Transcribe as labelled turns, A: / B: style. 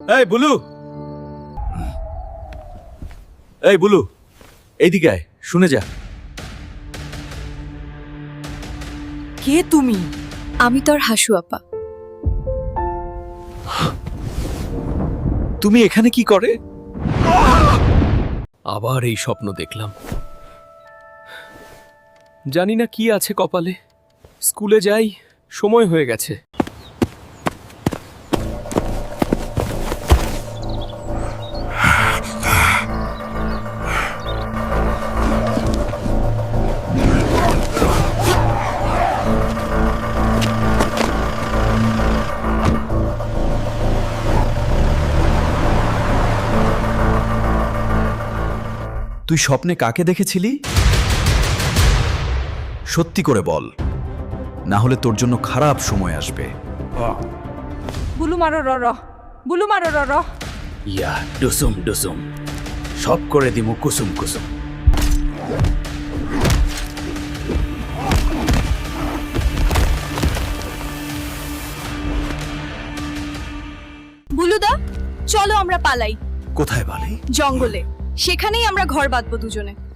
A: এই বুলু, এই বুলু, এইদিকে আয়, শুনে যা।
B: কে তুমি?
C: আমি তোর হাসু আপা।
A: তুমি এখানে কি করে?
D: আবার এই স্বপ্ন দেখলাম। জানি না কি আছে কপালে। স্কুলে যাই, সময় হয়ে গেছে।
A: তুই স্বপ্নে কাকে দেখেছিলি? সত্যি করে বল, না হলে তোর জন্য খারাপ সময় আসবে।
B: বুলু মারো র র, বুলু মারো র র।
E: ইয়া ডুসুম ডুসুম, সব করে দিমু কুসুম কুসুম।
C: বুলুদা, চলো আমরা পালাই।
A: কোথায় বালি?
C: জঙ্গলে। সেখানেই আমরা ঘর বাঁধবো দুজনে।